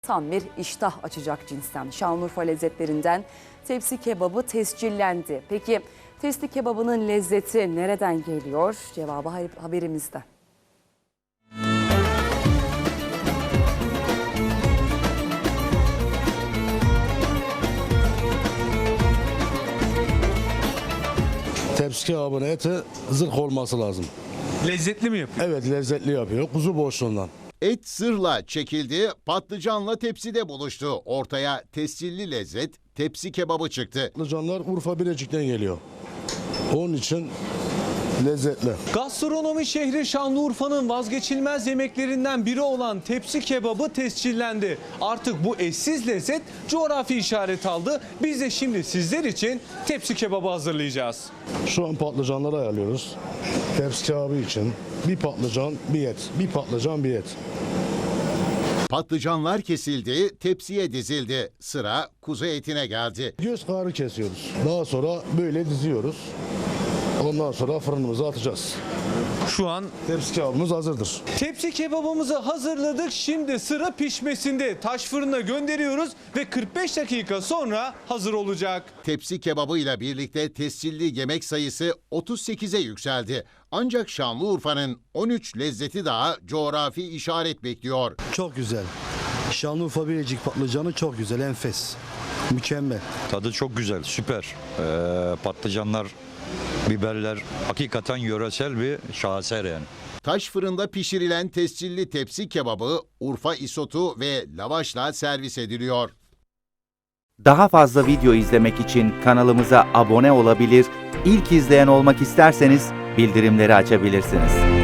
Tam bir iştah açacak cinsten. Şanlıurfa lezzetlerinden tepsi kebabı tescillendi. Peki tepsi kebabının lezzeti nereden geliyor? Cevabı haberimizde. Tepsi kebabının eti zırh olması lazım. Lezzetli mi yapıyor? Evet, lezzetli yapıyor. Kuzu boşluğundan. Et zırhla çekildi, patlıcanla tepside buluştu. Ortaya tescilli lezzet, tepsi kebabı çıktı. Patlıcanlar Urfa Bilecik'ten geliyor. Onun için lezzetli. Gastronomi şehri Şanlıurfa'nın vazgeçilmez yemeklerinden biri olan tepsi kebabı tescillendi. Artık bu eşsiz lezzet coğrafi işaret aldı. Biz de şimdi sizler için tepsi kebabı hazırlayacağız. Şu an patlıcanları ayarlıyoruz. Tepsi kebabı için bir patlıcan, bir et. Bir patlıcan, bir et. Patlıcanlar kesildi, tepsiye dizildi. Sıra kuzu etine geldi. Göz kararı kesiyoruz. Daha sonra böyle diziyoruz. Ondan sonra fırınımıza atacağız. Şu an Tepsi kebabımız hazırdır. tepsi kebabımızı hazırladık. Şimdi sıra pişmesinde. Taş fırına gönderiyoruz ve 45 dakika sonra hazır olacak. Tepsi kebabıyla birlikte tescilli yemek sayısı 38'e yükseldi. Ancak Şanlıurfa'nın 13 lezzeti daha coğrafi işaret bekliyor. Çok güzel. Şanlıurfa Bilecik patlıcanı çok güzel, enfes. Mükemmel. Tadı çok güzel, süper. Patlıcanlar, biberler hakikaten yöresel bir şaheser yani. Taş fırında pişirilen tescilli tepsi kebabı Urfa isotu ve lavaşla servis ediliyor. Daha fazla video izlemek için kanalımıza abone olabilir, ilk izleyen olmak isterseniz bildirimleri açabilirsiniz.